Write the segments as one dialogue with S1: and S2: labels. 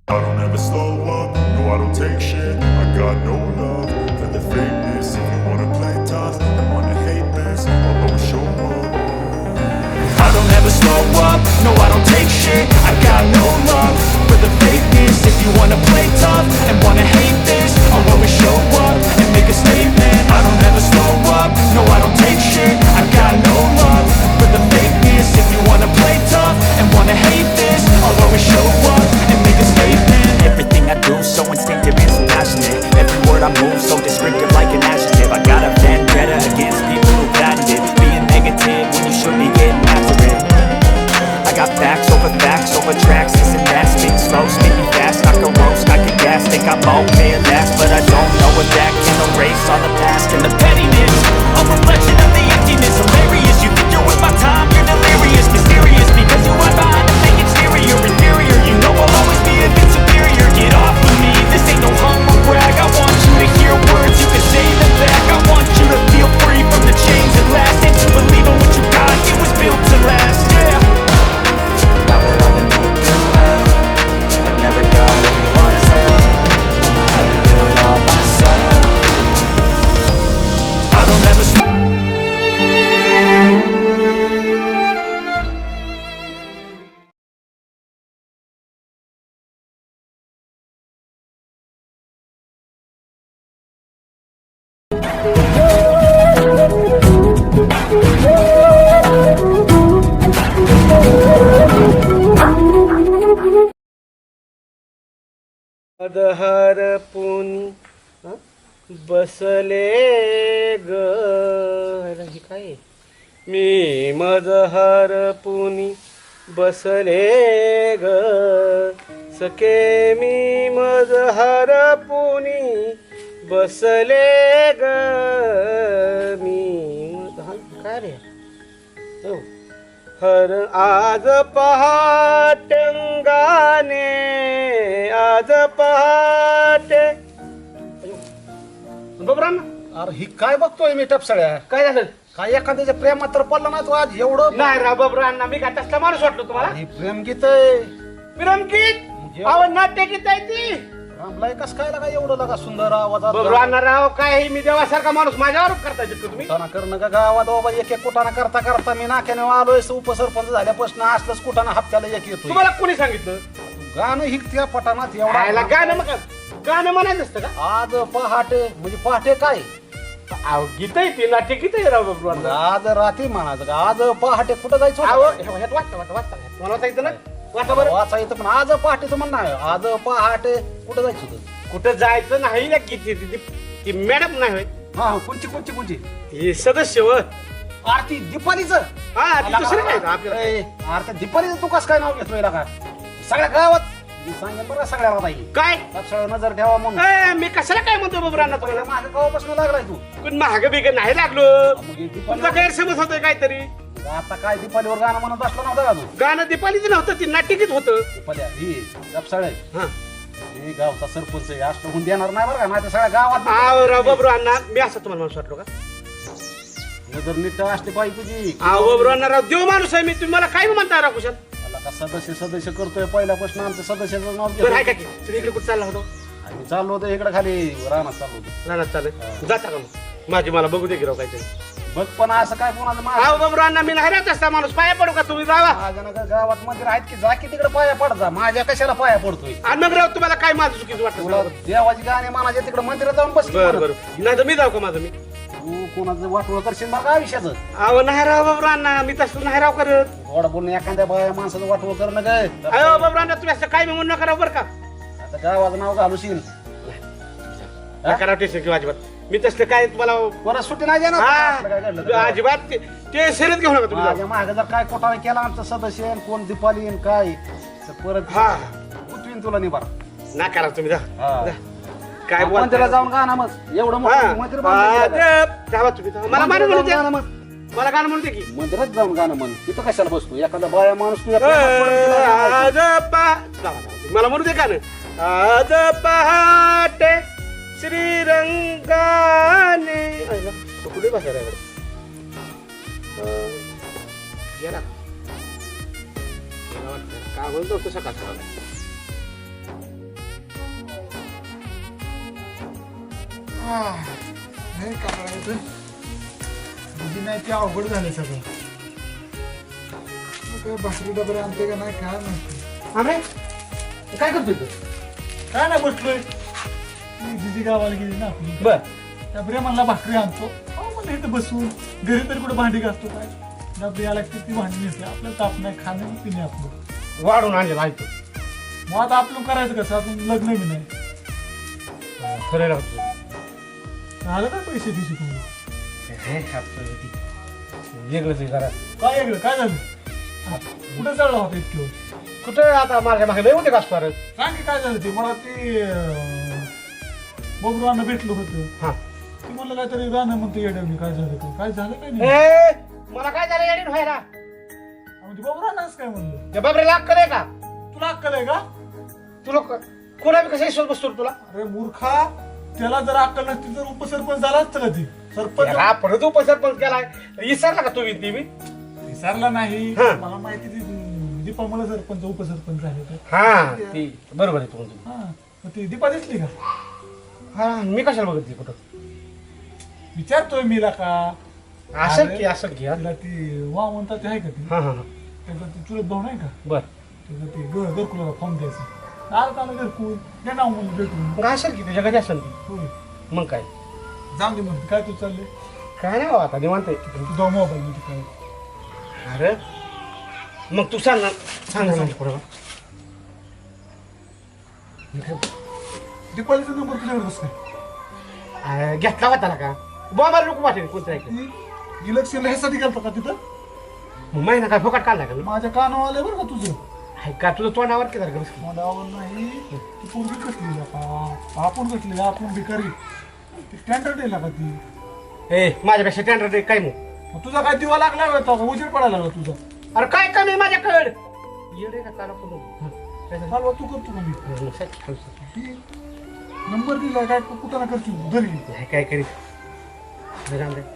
S1: I don't ever slow up, no I don't take shit. I got no love for the fakeness. If you wanna play tough and wanna hate this, I'll always show up.
S2: I don't ever slow up, no I don't take shit. I got no love for the fakeness. If you wanna play tough and wanna hate this, I'll always show up and make a statement. I don't ever slow up, no I don't take shit. I got no love for the fakeness. If you wanna play tough and wanna hate this, I'll always show up and make a statement. Everything I do so instinctive and so passionate. Every word I move so descriptive like an adjective. I got a vendetta against people who patented being negative when you should be getting after it. I got facts over tracks, this and that. Speak slow, speaking fast, I can roast, I can gas. Think I'm okay at last, but I don't know if that can erase all the past and the pettiness. A reflection of the emptiness, hilarious. You think you're worth my time, you're delirious. Mysterious, because you are behind a fake exterior. Inferior, you know I'll always be a bit superior. Get off of me, this ain't no humble brag. I want you to hear words, you can say them back. I want you to feel free from the chains that last. And to believe in what you got, it was built to last, yeah. Never got what you wanna say. I can do it all myself. I don't ever
S3: अदहर पुनी बसले ग हे काय आहे? मी मदहर पुनी बसले ग सके मी मदहर पुनी बसले ग मी काय रे हो हर आज पहाटंगाने आज पहाटे बबरान
S4: अरे ही काय बघतोय मी टपसळ्या
S3: काय झालं
S4: काय एखाद्याच्या प्रेमात तर पडला ना तू आज एवढं
S3: नाही राव बबरान मी काय तसला माणूस वाटलो तुम्हाला
S4: ही प्रेम गीत आहे
S3: विरमगीत आवाज नाट्य गीत आहे ती
S4: रामलाय कस काय लागा एवढं लागा सुंदर आवाजात
S3: बबरान राव काय मी देवासारखा माणूस माझ्यावर करता शकतो तुम्ही
S4: कुटाणा करणं का गावात बाबा एक एक कुटाणा करता करता मी नाक्याने आलोय उपसरपंच झाल्यापासून असलंच कुटाणा हप्त्याला एक येतो
S3: तुम्हाला कोणी सांगितलं
S4: गाणं ही त्या पटाणात
S3: खायला
S4: एवढा
S3: गाणं मग गाणं म्हणायचं असतं का
S4: आज पहाटे म्हणजे पहाटे काय
S3: अहो गीत आहे ती नाट्य गीत आहे राव बबरान
S4: आज रात्री म्हणायचं का आज पहाटे कुठं जायचं
S3: अहो
S4: होतं?
S3: ह्यात वाचता वाचता वाचता मला वाचायचं ना वाचा बरं
S4: वाचा येतं पण आज पहाटेचं म्हणणं आहे आज पहाटे कुठं जायचं होतं
S3: कुठं जायचं नाही ना किती ती मॅडम नाही होय
S4: हा कोणची कोणची कोणची
S3: ही सदस्य व
S4: आरती दीपालीचं
S3: हा ती दुसरी काय आपल्याला
S4: आरती दीपालीचं तू कसं काय नाव घेतोय का सगळ्या गावात मी सांगेन बरं सगळ्याला बाई
S3: काय
S4: लक्षात नजर ठेवा म्हणून
S3: मी कशाला काय म्हणतो बबरांना
S4: पहिला
S3: तुम्हाला
S4: माझ्या गावापासून लागलाय तू
S3: पण महाग बिग नाही लागलो
S4: मग हे
S3: तुमचा
S4: दीपाली
S3: गैरसमज होतोय काहीतरी
S4: आता काय दीपालीवर गाणं म्हणत बसला नव्हता का तू
S3: गाणं दीपालीचं नव्हतं ती नाट्यगीत होतं
S4: दीपाली ही गपसाळे
S3: हा
S4: हे गावचा सरपंच आहे असं होऊन देणार नाही बरं का माझ्या सगळ्या गावात
S3: आव राव बबरांना मी असं तुम्हाला माणूस वाटलो का
S4: नजर नीट असली पाहिजे तुझी
S3: आव बबरांना राव देव माणूस आहे मी तुम्ही मला काय म्हणता राव कुशल
S4: मला का सदस्य करतोय पहिल्यापासून आमच्या सदस्याचं नाव
S3: बरं आहे
S4: घेतो
S3: का की तुम्ही इकडे कुठं चालला होतो
S4: आम्ही चाललो होतो इकडे खाली रानात चाललो होतो
S3: रानात चालेल जाता का मग माझी मला बघू दे की राव काहीतरी
S4: बघ पण असं काय कोणाचं
S3: आव बबरांना मी नाही राहत असता माणूस पाया पडू का तुम्ही जावा
S4: माझ्या नका गावात मंदिर आहेत की जा की तिकडे पाया पडता माझ्या कशाला पाया पडतोय
S3: आणि मग राव तुम्हाला काय माझं चुकीचं
S4: तुला
S3: वाटतं
S4: देवाची गाणे मानाच्या तिकडे मंदिरात जाऊन बस
S3: बरं बरं नाही तर मी जाऊ का माझं मी
S4: तू कोणाचं वाटोळ करशील बघा आयुष्याचं
S3: अहो नाही राव बाबरांना मी तसं नाही राव करत
S4: गोड बोलून एखाद्या बाया माणसाचं वाटोळ करणं काय
S3: अहो बाबरांना तुम्ही असं काय म्हणून नका राव बरं का
S4: आता गावाचं नाव घालूशील
S3: नका राव टेन्शन किंवा अजिबात मी तसलं काय तुम्हाला
S4: परत सुट्टी नाही देणार असलं काय घडलं तर.
S3: हा अजिबात ते शर्यत घेऊ नका तुम्ही
S4: माझ्या
S3: जाऊ.
S4: मागे जर काय कोटाने केला आमचं सदस्य आहे, कोण दीपाली आहे, काय तर परत
S3: हा.
S4: उठवीन तुला निभार
S3: नका राव तुम्ही जा
S4: हा.
S3: जा. काय
S4: मंदिरात
S3: बोलता
S4: जाऊन गाणं मग एवढं मोठं मंदिर बांधलं गेलं.
S3: जावा तुम्ही जावा. मला गाणं म्हणू
S4: मंदिरात
S3: दे
S4: जाऊन गाणं म्हण.
S3: मला गाणं म्हणू दे की
S4: मंदिरात जाऊन गाणं म्हण तिथं कशाला बसतो एखादा बाया माणूस तुझ्या प्रेमात पडेल तिला गाणं
S3: आज जावा, जावा. मला म्हणू दे गाणं आज पहाटे श्रीरंगाने कुठे भाषा रे गेला काय म्हणतो तो सकाळ सकाळ
S5: नाही का करायचं तुझी नाही ते अवघड झालं सगळं काय भाकरी डबरे आणते का नाही काय माहिती
S3: आमरे काय करतोय तू?
S5: काय नाही बसलोय दिदी गावाला गेली ना आपली
S3: बर
S5: डबरे म्हणला भाकरी आणतो म्हणलं इथं बसून घरी तरी कुठे भांडी घासतो काय डबरी आला की ती भांडी नेसते आपल्याला ताप नाही खाणं पिणे आपलं
S3: वाढून आणलेला ऐकतो
S5: मग आता आपलं करायचं कसं आपण लग्न बी नाही
S3: खरं राहतो
S5: झालं काय पैसे दिवशी तुम्ही
S3: वेगळंच करा
S5: काय वेगळं काय झालं कुठे चढला होता इतके
S3: कुठं आता माझ्या मागे लय होते का परत
S5: सांग की काय झालं ते मला ते बबरूवांना भेटलं होतं
S3: हा
S5: ते म्हणलं काहीतरी गाणं म्हणतो येडवली काय झालं काय झालं काय नाही
S3: ए, मला काय झालं येडीन व्हायला
S5: म्हणजे बबरूवांनाच काय म्हणलं
S3: त्या बाबरे लाग करे का
S5: तुला अक्कल आहे का
S3: तुला कोणा बी कसा विश्वास बसतो तुला
S5: अरे मूर्खा त्याला जर अक्कल नसती तर उपसरपंच झाला असतं का ते सरपंच
S3: हा परत उपसरपंच केलाय विसरला का तुम्ही ती बी
S5: विसरला नाही
S3: हा.
S5: मला माहिती दीपा मला सरपंच उपसरपंच झाले तर
S3: हा ती बरोबर आहे तुम्ही
S5: हा मग ती दीपा दिसली का
S3: हा मी कशाला बघितली कुठं
S5: विचारतोय मीला का
S3: असं की असं की हा
S5: तिला ती वा म्हणतात ते आहे का ती
S3: हा
S5: त्याचा ती चुलत भाऊ नाही का
S3: बर
S5: त्याचं ते घरकुलाला फॉर्म द्यायचं आलं आलं घरकुल दे नाव म्हणून भेटून
S3: मग असेल की तुझ्या घरी असेल ती
S5: होय
S3: मग काय
S5: जाऊन दे म्हणते काय तू चालले
S3: काय नाही बाबा आता निवांत आहे.
S5: तुझा मोबाईल मध्ये काय
S3: अरे मग तू सांग ना सांग ना पुढं
S5: दीपालीचा नंबर तुझ्याकडे कसं काय
S3: घेतला होता ना का बाबा लोक वाटेल कोणतं ऐकलं
S5: ती इलेक्शनला ह्यासाठी गेलता का तिथं
S3: मग महिना काय फुकट काढला का मी
S5: माझ्या कानावर आलंय बरं का तुझं
S3: हाय का तुझं तोंडावर की जरा बस.
S5: मला आवड नाही ती पोरगी कटली का आपण कटली आपण भिकारी ती स्टँडर्ड आहे का ती
S3: ए माझ्यापेक्षा टेंडर दे काय मग
S5: मग तुझा काय दिवा लागला होता का उजेड पडायला लागला तुझा
S3: अरे काय कमी आहे माझ्याकडे येडे का काला पुढं काय झालं?
S5: चालवा तू करतो का मी
S3: मग साहेब,
S5: ती नंबर दिलाय काय कुठं ना करतो घरी
S3: नाही काय करीत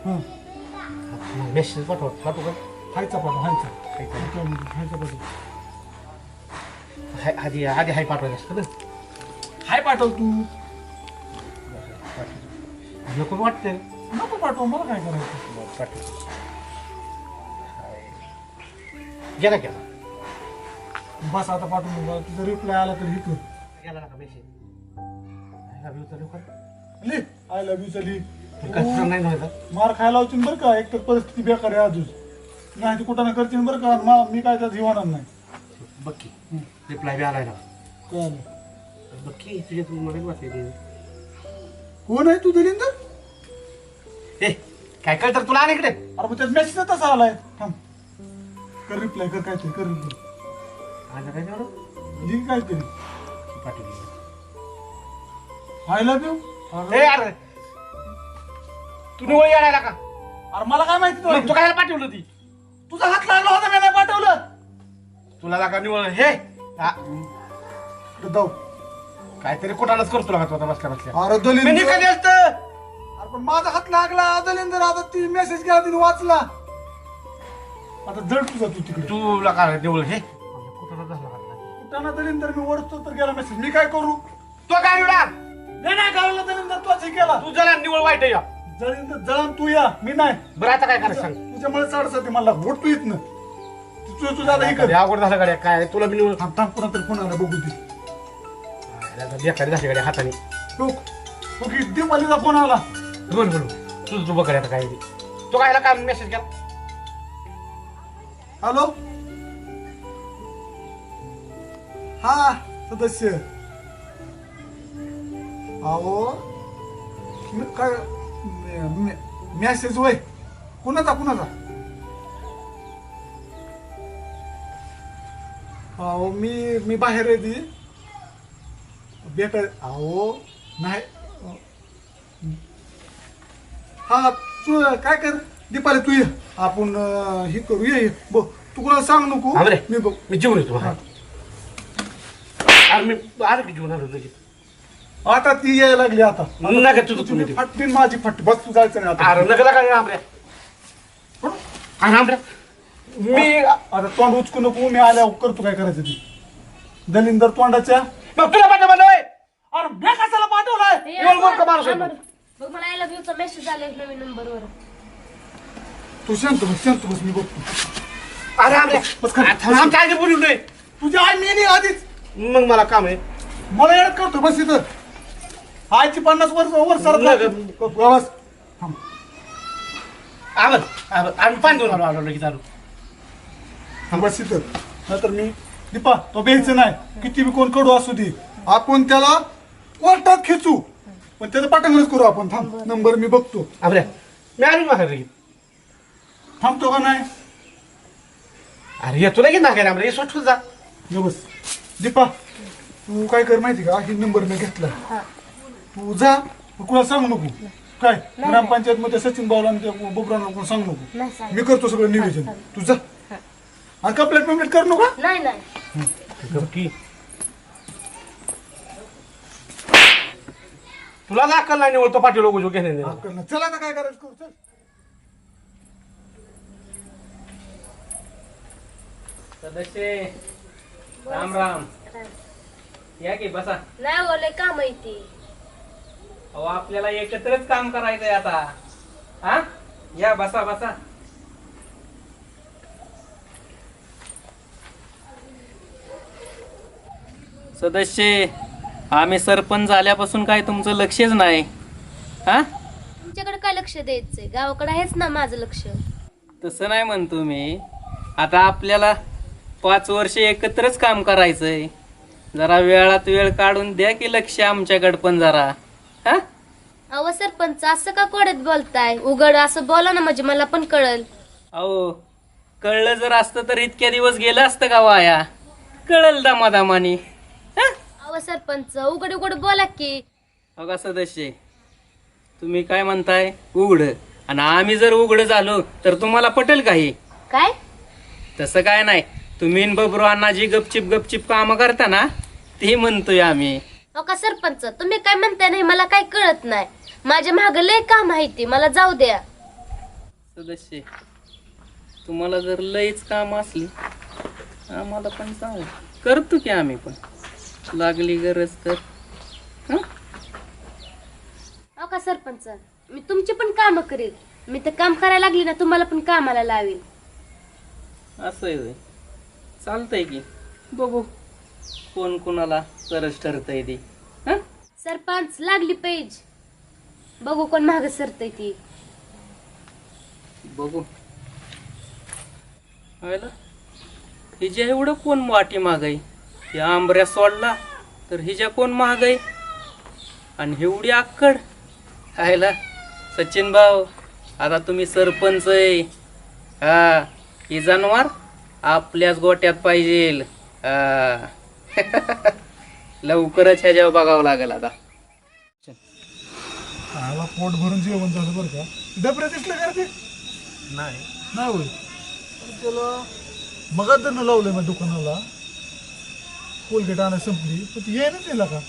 S3: मेसेज पाठवत पाठवू का
S5: हायचा पाठव हायचा हायचा पाठव
S3: आधी आधी हाय पाठवायचं असतं ना
S5: हाय पाठव तू
S3: नको वाटतं
S5: नको पाठव मला काय करायचं
S3: पाठव गेला गेला
S5: बस आता पाठवून बघा तुझा रिप्लाय आला तर हे कर
S3: गेला ना का मेसेज
S5: लिह आय लव्ह यू चली
S3: कसं नाही नव्हता
S5: मार खायला होती बरं का एक तर परिस्थिती बेकार आहे अजून नाही ती कुठं ना करतील बरं का मी काय त्यात होणार नाही
S3: बक्की रिप्लाय बी आलाय ना
S5: कळलं
S3: बक्की तुझ्या तू मला वाटते
S5: कोण आहे तू दलिंदर
S3: ए काय कळतं तुला आणि इकडे
S5: अरे मग त्यात मेसेज तसा आलाय थांब कर रिप्लाय कर काहीतरी कर रिप्लाय
S3: आला काय तेवढं
S5: लिह काहीतरी
S3: पाठवली
S5: आय लव्ह यू
S3: ए अरे तू निवळ येणार का
S5: अरे मला काय माहिती
S3: मग तू काय पाठवलं ती
S5: तुझा हात लागला होता मी नाही पाठवलं
S3: तुला लागा निवळ हे हा,
S5: जाऊ
S3: काहीतरी कुठानच करतो लागा तू आता बसल्या बसल्या
S5: अरे
S3: मी
S5: दलिंदर
S3: निघाली असतं
S5: अरे पण माझा हात लागला दलिंदर आता ती मेसेज केला तिने वाचला आता जड तुझा तू तिकडे
S3: तू लागा निवळ हे कुठानच झाला
S5: कुठं ना दलिंदर मी ओढतो तर गेला मेसेज मी काय करू
S3: तो काय निवडा
S5: मी नाही गावला दलिंदर तोच हे केला
S3: तू जरा निवळ वाईट या
S5: जळींदर जळण तू या मी नाही
S3: बरं आता काय करायचं सांग
S5: तुझ्यामुळे चढसाठी मला घोट तू येत ना तुझं तुझा आता हे कर
S3: कधी अवघड झालं गाड्या काय तुला मी निवळ
S5: थांब थांब पुन्हा तर फोन आला बघू दे
S3: बेकारी झाली गाड्या हाताने
S5: ओके दीपालीचा फोन आला
S3: बोल बोल तुझं तू बघ आता काय ते. तो कायला काय मेसेज केला
S5: हॅलो हा सदस्य अहो मी काय मेसेज होय कुणाचा अहो मी बाहेर आहे ती बेटा अहो नाही हा तू काय कर दीपाली तू ये आपण हे करू ये बघ तू कुणाला सांग नको
S3: हा बरे.
S5: मी बघ
S3: मी जेवण येतो हा. अरे मी अरे की जेवण आलो लगेच
S5: आता ती यायला लागली आता
S3: नका तुझं
S5: तुझी
S3: तुम्ही
S5: फटबीन माझी फट बस तू जायचं नाही आता
S3: अरे नका काय आमऱ्या आमऱ्या मी
S5: आता तोंड उचकू नको मी आल्यावर करतो काय करायचं ती दलिंदर तोंडाच्या
S3: मग तुला पाठवलं होय
S5: अरे बे कशाला पाठवलाय
S3: एवढं मोठं माणूस आहे तू.
S6: मग मला आय लव्ह यूचा मेसेज आला एक नवीन नंबरवर.
S5: तू शांत बस मी बघतो.
S3: अरे आमरे
S5: बस खाली.
S3: आमच्या आईने बोलू नये.
S5: तुझी आई मेली आधीच.
S3: मग मला काम आहे.
S5: मला येडत करतो बस इथं. आईची 50 वर सरत बस.
S3: आम्ही पाणी देऊन आलो लगेच आलो.
S5: बस इथं. नाहीतर मी दीपा तो बेलचं नाही किती बी कोण कडू असू दे आपण त्याला कोर्टात खेचू पण त्याचं पाठंगणच करू आपण. थांब नंबर मी बघतो.
S3: आमरे मी आलो माघारी लगेच.
S5: थांबतो का नाही
S3: अरे येतो लगेच नाकाय आमरे स्वच्छ जा.
S5: ये बस. दीपा तू काय कर माहिती का ही नंबर मी घेतला. तू जा कुणाला सांगू नको काय ग्रामपंचायत मध्ये सचिन भाऊला आणि त्या बोबरांना कोण सांगू नको.
S6: नाही सांग.
S5: मी करतो सगळं नियोजन. तू जा आणि कंप्लेंट पेमेंट कर नका.
S6: नाही
S3: की तुला दाखल नाही निवडतो पाठी लोक घेणे.
S5: चला आता काय करायचं करू. चल
S7: सदस्य राम राम. या की बसा.
S6: नाही बोले का माहिती.
S7: अहो आपल्याला एकत्रच काम करायचंय आता. हा या बसा बसा. सदस्य आम्ही सरपंच झाल्यापासून काय तुमचं लक्षच नाही. हा
S6: तुमच्याकडे काय लक्ष द्यायचंय गावाकडे आहेच ना माझं लक्ष.
S7: तसं नाही म्हणतो मी. आता आपल्याला 5 वर्ष एकत्रच काम करायचंय. जरा वेळात वेळ काढून द्या की लक्ष आमच्याकडे पण जरा. हा
S6: अहो सरपंच असं का कोड्यात बोलताय. उघड असं बोला ना म्हणजे मला पण कळल.
S7: अहो कळलं जर असतं तर इतक्या दिवस गेलं असतं का वाया. कळल दामादामानी.
S6: अहो सरपंच उघड उघड बोला की.
S7: बघा सदस्य तुम्ही काय म्हणताय उघड आणि आम्ही जर उघड झालो तर तुम्हाला पटेल काही.
S6: काय
S7: तसं काय नाही. तुम्ही न बबरू अण्णा जी गपचिप कामं करता ना ते म्हणतोय आम्ही.
S6: अहो का सरपंच तुम्ही काय म्हणताय नाही मला काय कळत नाही. माझ्या माग लय काम आहे ती मला जाऊ द्या.
S7: सदस्य तुम्हाला जर लईच काम असली आम्हाला पण सांग करतो की आम्ही पण लागली गरज तर. हं?
S6: अहो का सरपंच मी तुमची पण काम करेल. मी तर काम करायला लागली ना तुम्हाला पण कामाला लावेल.
S7: असं आहे होय. चालतंय की बघू कोण कोणाला सरस ठरतंय ती. हं?
S6: सरपंच लागली पेज बघू कोण माग सरतय ती.
S7: बघू हिच्या एवढं कोण वाटी मागाई. या आंबऱ्या सोडला तर हिच्या कोण महागाई आणि एवढी आक्कड. खायला सचिन भाऊ आता तुम्ही सरपंच आहे. हा ही जनावर आपल्याच गोट्यात पाहिजे. लवकरच ह्याच्यावर बघावं लागेल आता.
S5: आला पोट भरून जेवण झालं बरं का. डबरे दिसले का ते नाही होय. त्याला मगात जर लावलंय मग दुकानाला कोलगेट आणा संपली पण ती ये ना दिला का.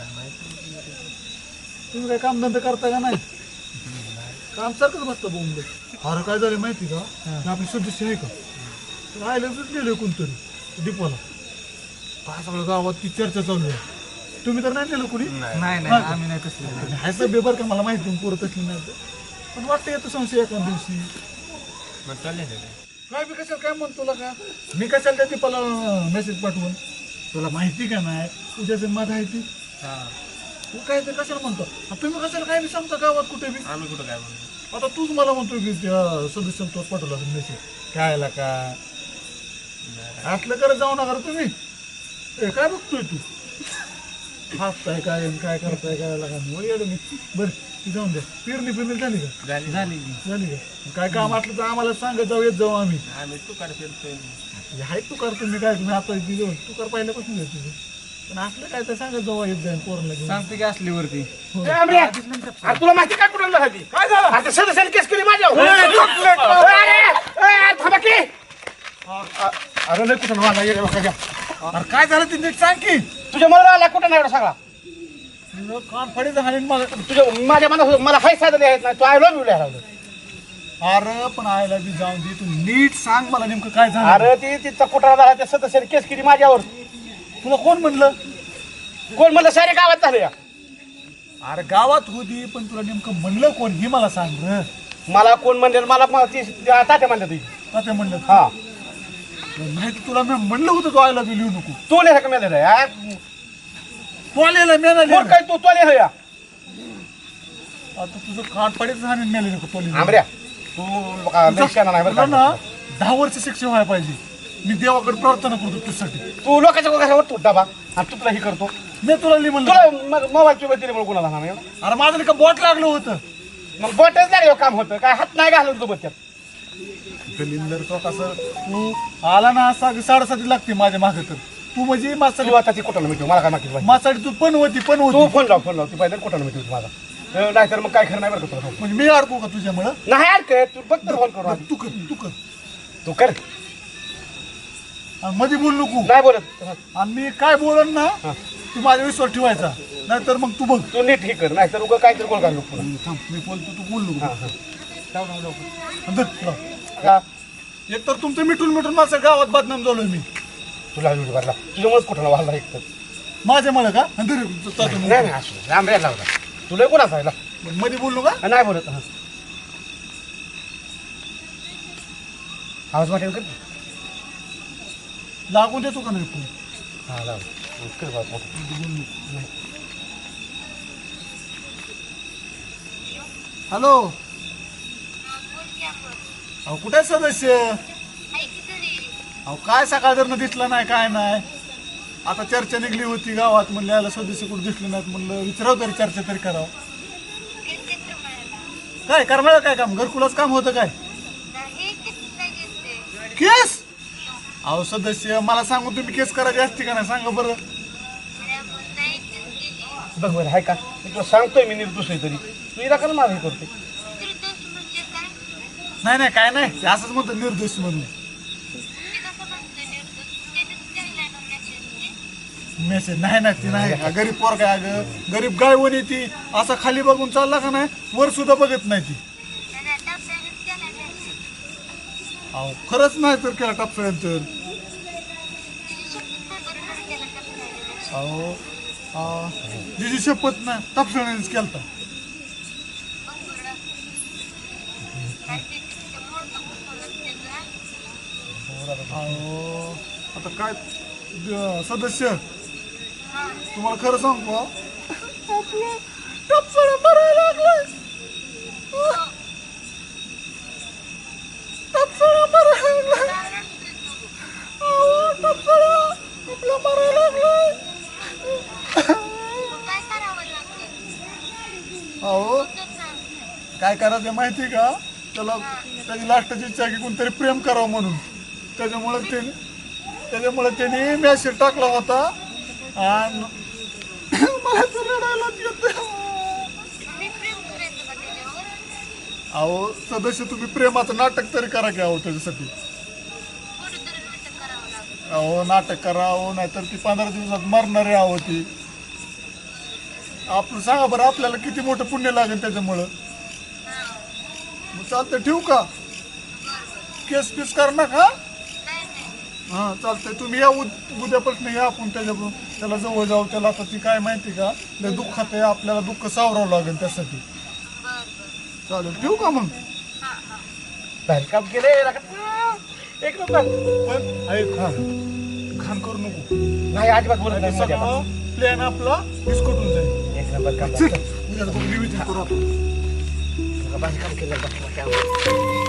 S5: तुम्ही काय कामधंदा करता का नाही. काम सारखंच बसतं बोंबले. अरे काय झालं माहिती का ते आपले सदस्य आहे का तर आयलाच गेले कोणतरी डिपोला. काय सगळं गावात ती चर्चा चालू आहे. तुम्ही तर नाही दिलं कुणी. नाही आम्ही नाही तसलं ह्याचं बेबर का मला माहिती पोरत असली नाही पण वाटतं येतं संशय एका दिवशी. काय मी कशाला काय म्हणतो तुला का मी कशाला त्या दीपाला मेसेज पाठवून तुला माहिती का नाही तुझ्या जन्मात आहे ती. तू काय ते कशाला म्हणतो तुम्ही कशाला काय बी सांगता गावात कुठे बी. आम्ही कुठं काय म्हणतो. आता तूच मला म्हणतो की त्या सदस्यांना तोच पाठवला मेसेज काय का असलं करत जाऊ नका तुम्ही. काय बघतोय तू हसताय काय काय करताय काय लागा मी. बरं ती जाऊन द्या. पेरणी झाली का झाली का काय काम असलं तर आम्हाला सांगत जाऊ येत जाऊ आम्ही तुकार फिरतोय. आहे तुकार तुम्ही काय तुम्ही आता तुकार पहिल्यापासून येत तुझं पण असलं काय तर सांगत जाऊ येत जाईल पोरांना घेऊन. सांगते की असलीवरती
S3: तुला माहिती काय कुठं झाली काय झालं. आता सदस्याने केस केली माझ्या. अरे नाही कुठं मला ये बघा घ्या.
S5: अरे काय झालं ते नीट सांग की.
S3: तुझ्या मला आला कुठं नाही एवढा सगळा.
S5: कान फडी झाले मला
S3: तुझ्या माझ्या मनात मला हाय साधं लिहायचं नाही. तू आय लव्ह यू लिहायला.
S5: अरे पण आयला बी जाऊन दे तू नीट सांग मला नेमकं काय झालं.
S3: अरे ती तिचा कुठला झाला त्या सदस्याने केस केली माझ्यावर.
S5: तुला कोण म्हणलं
S3: कोण म्हणलं सारे गावात झालं या.
S5: अरे गावात होती पण तुला नेमकं म्हणलं कोण ही मला सांग रे.
S3: मला कोण म्हणले मला तात्या म्हणले तुझी
S5: तात्या म्हणलं
S3: हा
S5: माहिती तुला मी म्हणलं होतं तो आयला लिहू नको.
S3: तू लिहा का मेले
S5: तू आलेला मेला
S3: काय तू तो लिहा या
S5: आता तुझं खाटपाडीच आणि मेले नको तो लिहून.
S3: आमऱ्या तू लय शहाणा नाही बरं
S5: तुला
S3: का?
S5: ना 10 वर्ष शिक्षण व्हायला पाहिजे. मी देवाकडे प्रार्थना करतो तुझ्यासाठी.
S3: तू लोकांच्या घरावर तू डबा आणि तू तुला हे करतो
S5: मी तुला लिह म्हणलं
S3: तुला मोबाईल चुबा दिले म्हणून कोणाला सांगा
S5: अरे माझं का बोट लागलं होतं.
S3: मग बोटच लागलं काम होतं काय हात नाही घालून तू बच्च्यात
S5: दलिंदर तो कसं तू आला ना 7:30 लागते माझ्या मागे तर तू म्हणजे
S3: तू आता ती कुठं मिटू मला काय मागितलं पाहिजे
S5: माझ्यासाठी तू पण होती
S3: तू फोन लाव ती पाहिजे कुठं मिटू माझा नाही तर मग काय खरं नाही बरं का तुला
S5: म्हणजे मी अडकू का तुझ्यामुळं.
S3: नाही अडकय तू फक्त फोन करू आधी.
S5: तू कर
S3: तू कर
S5: आणि मध्ये बोल नको.
S3: नाही बोलत
S5: आणि मी काय बोलन ना तू माझ्या विश्वास ठेवायचा नाहीतर मग तू बघ.
S3: तू नीट हे कर नाही तर उगा काहीतरी गोल घालू पुन्हा
S5: थांब मी बोलतो तू बोल नको.
S3: हा.
S5: धर. एक तर तुमचं मिटून माझ्या गावात बदनाम झालोय मी
S3: तुला व्हिडिओ भरला तुझ्यामुळेच कुठं वाढला एक तर
S5: माझ्यामुळे का आणि धर चालतो मग.
S3: नाही असू राम रे लावला तुला कोण असायला
S5: मध्ये बोललो का
S3: नाही बोलत आवाज वाटेल कर
S5: लागून देतो का नाही फोन.
S3: हा लाव कर बाबा.
S5: हॅलो अहो कुठे आहे सदस्य. अहो काय सकाळ जर दिसलं नाही काय नाही. आता चर्चा निघली होती गावात म्हणलं याला सदस्य कुठे दिसले नाहीत म्हणलं विचारावं तरी चर्चा तरी करावं. काय करणार काय काम घरकुलाच काम होतं काय केस. अहो सदस्य मला सांगू तुम्ही केस करायची असते का नाही सांगा बरं.
S3: बघ बरं आहे का मी तुला सांगतोय मी निर्दोष आहे तरी तू इरा का माझं हे करते
S5: नाही काय नाही ते असंच म्हणतो निर्दोष म्हणून. मेसेज नाही ती नाही गरीब पोर काय अगं गरीब गाय वणी ती असा खाली बघून चालला का नाही वर सुद्धा बघत नाही ती. अहो खरंच नाही तर केला टापसाळ्यानंतर. अहो जिची शपथ ना टापसाळ्यानेच केलता. अहो आता काय सदस्य तुम्हाला खरं सांगू आपलं टापसाळा मरायला लागलाय. टापसाळा मरायला लागलाय. अहो टापसाळा आपला मरायला लागलाय. अहो काय करायचं माहिती का त्याला त्याची लास्टची इच्छा आहे की कोणतरी प्रेम करावं म्हणून त्याच्यामुळे त्याने मेसेज टाकला होता आणि मला तर रडायलाच येतं. अहो सदस्य तुम्ही प्रेमाचं नाटक तरी करा की अहो त्याच्यासाठी. अहो नाटक करा अहो नाहीतर ती 15 दिवसात मरणारे आहो ती. आपण सांगा बरं आपल्याला किती मोठं पुण्य लागेल त्याच्यामुळं. मग चालतंय ठेवू का केस पीस कर ना का. हां चालतंय तुम्ही या उद्यापासून या आपण त्याला जवळ जाऊ. त्याला आता ती काय माहिती का लय दुःखात आहे आपल्याला दुःख सावरावं लागेल त्यासाठी. चालेल ठेवू का मग.
S3: बाहेर काम केले एक नंबर
S5: पण ऐक घाण करू नको.
S3: नाही अजिबात बोलत नाही माझ्या आता.
S5: प्लॅन आपला विस्कटून जाईल.
S3: एक नंबर काम
S5: उद्या बघू, नियोजन करू आपण.
S3: बाहेर काम केलं